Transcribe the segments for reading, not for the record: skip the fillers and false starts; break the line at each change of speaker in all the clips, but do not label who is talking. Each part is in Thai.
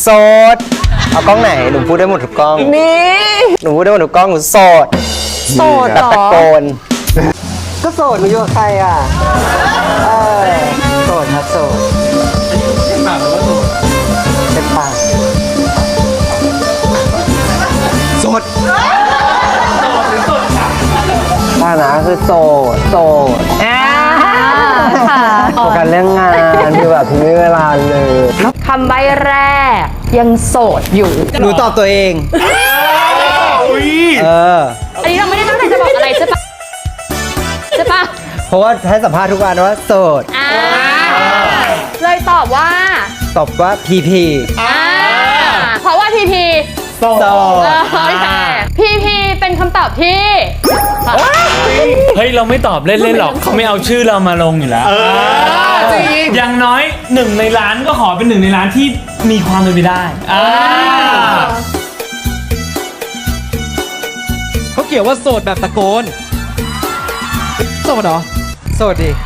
โสดเอากล้องไหนหนูพูดได้หมดทุกกล้องนี่หนูพูดได้หมดทุกกล้องหนูโสด
โสด
แบบ
เหร
ตะ
อ
โกนก็โสดหนูอยู่กับใครอ่ะโสดครับโสดเป็นปากหรือว่าโสดเป็นปากโสดป้านะคือโสดโฟกัสเรื่องงานคือแบบไม่มีเวลาเลย
คำใบแรกยังโสดอยู่
หนูตอบตัวเอง
อันนี้เราไม่ได้ตั้งใจจะบอกอะไรใช่ปะใช่ปะ
เพราะว่าให้สัมภาษณ์ทุกวันว่าโสด
เลยตอบว่า
ตอบว่าพีพี
เพราะว่าพีพี
โสด
พีพีเป็นคำตอบที่
เฮ้ยเราไม่ตอบเล่นๆหรอกเขาไม่เอาชื่อเรามาลงอยู่แล้วจริงอย่างน้อย1 ในล้านก็ขอเป็น1 ในล้านที่มีความเป็นไปได้
เขาเกี่ยวว่าโสดแบบตะโกนโสดเหรอ
โสดดิ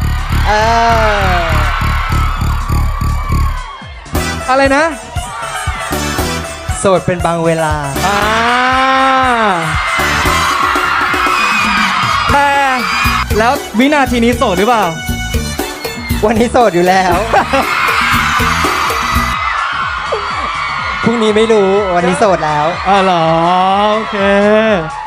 อะไรนะ
โสดเป็นบางเวลา
แต่แล้ววินาทีนี้โสดหรือเปล่า
วันนี้โสดอยู่แล้ว พรุ่งนี้ไม่รู้วันนี้โสดแล้ว
อ๋อเหรอ โอเค